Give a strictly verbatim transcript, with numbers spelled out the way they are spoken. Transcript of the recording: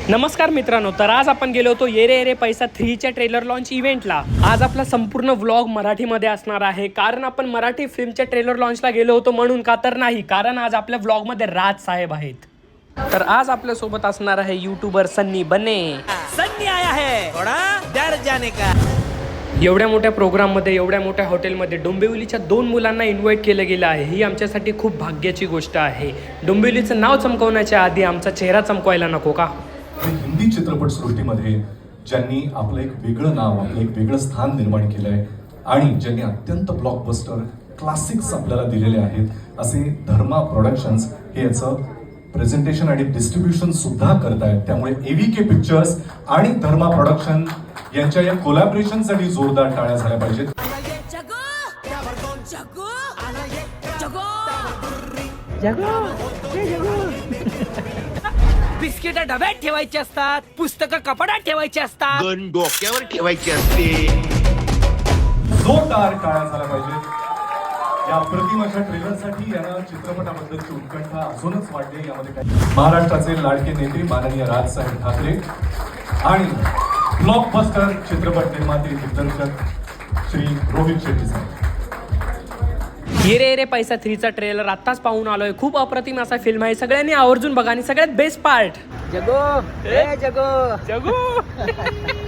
नमस्कार मित्रांनो, तर आज आपण गेलो होतो ये रे ये रे पैसा थ्रीच्या ट्रेलर लॉन्च इव्हेंटला। आज आपला संपूर्ण व्लॉग मराठीमध्ये असणार आहे, कारण आपण मराठी फिल्मच्या ट्रेलर लॉन्चला गेलो होतो म्हणून का तर नाही, कारण आज आपल्या व्लॉगमध्ये राज साहेब आहेत। तर आज आपल्या सोबत असणार आहे यूट्यूबर सन्नी बने। सन्नी आया है, थोड़ा डर जाने का। एवढ्या मोठ्या प्रोग्राममध्ये, एवढ्या मोठ्या हॉटेलमध्ये डोंबिवलीच्या दोन मुलांना इन्व्हाइट केलं गेलं आहे। ही आमच्यासाठी खूप भाग्याची गोष्ट आहे। डोंबिवलीचं नाव चमकवण्याच्या आधी आमचा चेहरा चमकवायला नको का? हिंदी चित्रपट सृष्टीमध्ये ज्यांनी आपलं एक वेगळं नाव, आपलं एक वेगळं स्थान निर्माण केलंय आणि ज्यांनी अत्यंत ब्लॉकबस्टर क्लासिक्स आपल्याला दिलेले आहेत, असे धर्मा प्रोडक्शन्स हे याचं प्रेझेंटेशन आणि डिस्ट्रीब्युशन सुद्धा करतायत। त्यामुळे एव्हीके पिक्चर्स आणि धर्मा प्रोडक्शन यांच्या या कोलॅबोरेशनसाठी जोरदार टाळ्या झाल्या पाहिजेत। बिस्किट डब्यात ठेवायचे असतात, पुस्तकं कपाटात ठेवायची असतात, गण डोक्यावर ठेवायची असते। जोरदार टाळ्या झाल्या पाहिजेत या प्रतिमाच्या ट्रेलरसाठी। यांना चित्रपटाबद्दलची उत्कंठा अजूनच वाढली। यामध्ये काय महाराष्ट्राचे लाडके नेते माननीय राजसाहेब ठाकरे आणि ब्लॉकबस्टर चित्रपट निर्माते दिग्दर्शक श्री रोहित शेट्टी साहेब। ये रे ये रे पैसा थ्रीचा ट्रेलर आत्ताच पाहून आलोय। खूप अप्रतिम असा फिल्म आहे, सगळ्यांनी आवर्जून बघा। आणि सगळ्यात बेस्ट पार्ट जगो ए जगो जगू